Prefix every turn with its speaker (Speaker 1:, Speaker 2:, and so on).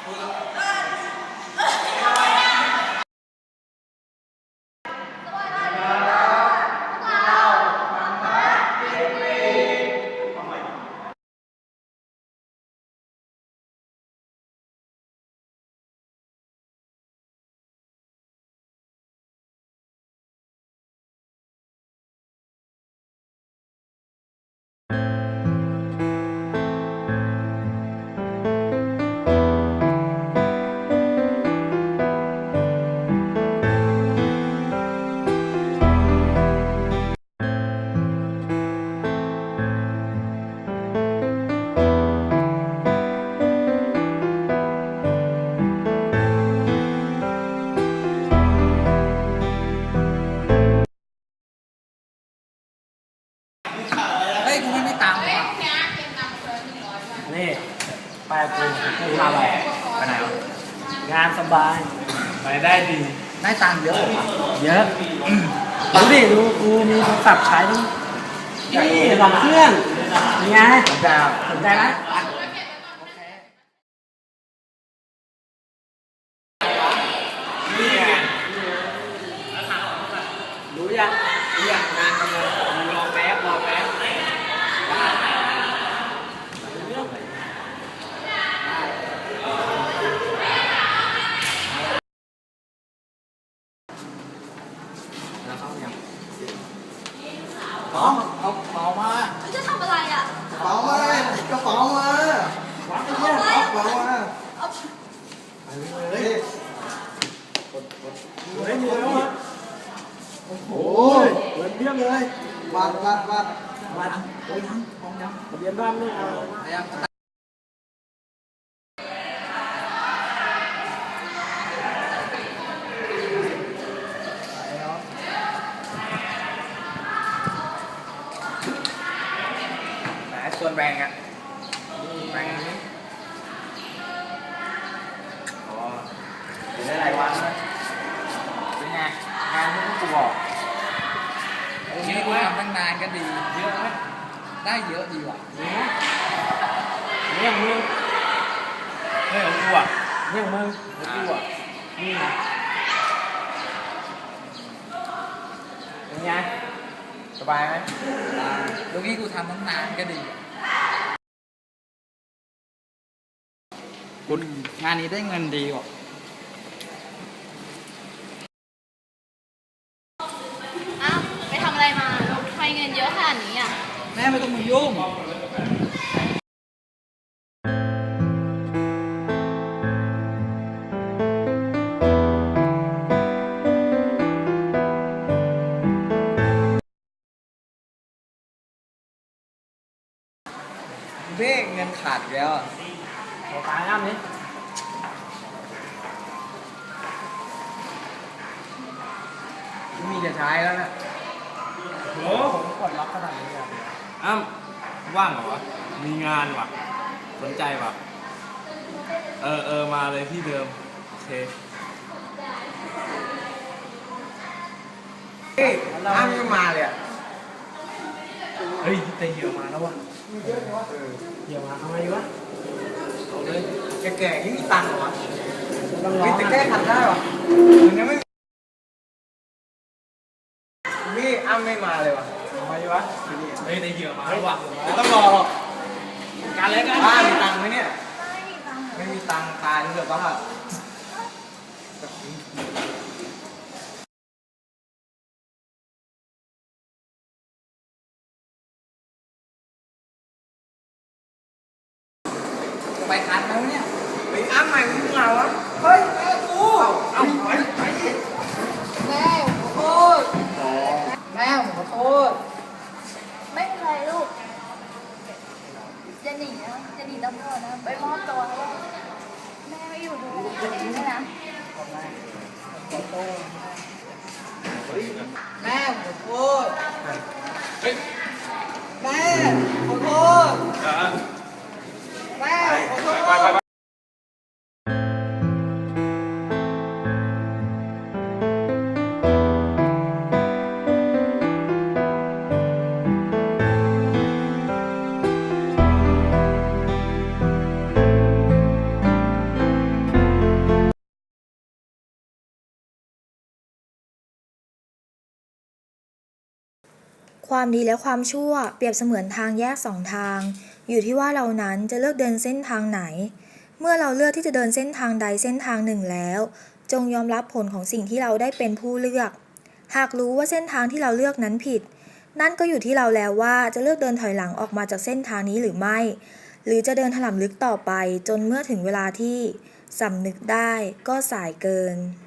Speaker 1: เฮ้ยกูไม่มีตังค์ว่ะ
Speaker 2: นี่ไปกูทำอะไรไปไหนวะงานสบายไปได้ดี
Speaker 1: ได้ตังค์เยอะว่ะ
Speaker 2: เยอะดูดิดูกูมีโทรศัพท์ใช้ทั้งนี่2 เครื่องยังไงสนใจไหมนี่ไงรู้ยังงานกำลังรอแป๊บเอาเป๋ามา
Speaker 3: จะทำอะไรอ่ะ
Speaker 2: กระเป๋ามากระเป๋ามาวางที่นี่กระเป๋ามาเฮ้ยมีแล้วอ่ะโอ้โหเงินเพียบเลยบัตรโอ้ยของยังทะเบียนบ้านไม่เอาส่วนแบ่งอ่ะแบ่งนี้อ๋ออยู่ได้หลายวันนะเป็นไงงานที่กูบอก
Speaker 1: นี่กูทำตั้งนานก็ดีเยอะไหมได้เยอะดีว่ะ
Speaker 2: นี่ของมึงของกูอ่ะนี่ของมึงของกูอ่ะนี่นะเป็นไงสบายไหม
Speaker 1: ตรงนี้กูทำตั้งนานก็ดีกูงานนี้ได้เงินดีกว่า
Speaker 3: อ้าวไปทำอะไรมาทำไมเงินเยอะขนาดนี้อ่ะ
Speaker 1: แม่ไม่ต้องมายุ่งเบ้เงินขาดแล้วอ่ะ
Speaker 2: ขอตายน้ำนี้มีจะใช้แล้วนะโหผมกดล็อกขนาดนี้เลยอ้ำว่างเหรอวะมีงานวะสนใจวะมาเลยที่เดิมโอเคเฮ้ยอ้ำไม่มาเลยอ่ะเฮ้ยแต่เหี่ยวมาแล้ววะเหี่ยวมาทำไมวะเอาเลยแก่ๆนี่มีตังค์เหรอวะมีแต่แก้ขัดได้วะมันยังไม่นี่อ้ำไม่มาเลยวะทำไมวะเฮ้ยแต่เหี่ยวมาแล้ววะไม่ต้องรอหรอกการเล่นกันบ้านมีตังค์ไหมเนี่ยไม่มีตังค์ตายเถอะบ้า
Speaker 1: ไปคันแล้วเนี่ย
Speaker 2: ไปอ้ำใหม่มึงเหงาวะเฮ้ยแม่กูเอาไป
Speaker 3: แม่ขอโทษ
Speaker 1: แม่ผมขอโทษ
Speaker 3: ไม่เป็นไรลูกจะหนีตำรวจนะไปมอบตัวแล้วแม่ไม่อยู่ดูแลตัวเองด้วยนะ
Speaker 1: แม่ขอโทษแม่ขอโทษแม่ขอโทษ
Speaker 4: ความดีและความชั่วเปรียบเสมือนทางแยกสองทาง อยู่ที่ว่าเรานั้นจะเลือกเดินเส้นทางไหน เมื่อเราเลือกที่จะเดินเส้นทางใดเส้นทางหนึ่งแล้ว จงยอมรับผลของสิ่งที่เราได้เป็นผู้เลือก หากรู้ว่าเส้นทางที่เราเลือกนั้นผิด นั่นก็อยู่ที่เราแล้วว่าจะเลือกเดินถอยหลังออกมาจากเส้นทางนี้หรือไม่ หรือจะเดินถลำลึกต่อไปจนเมื่อถึงเวลาที่สำนึกได้ก็สายเกิน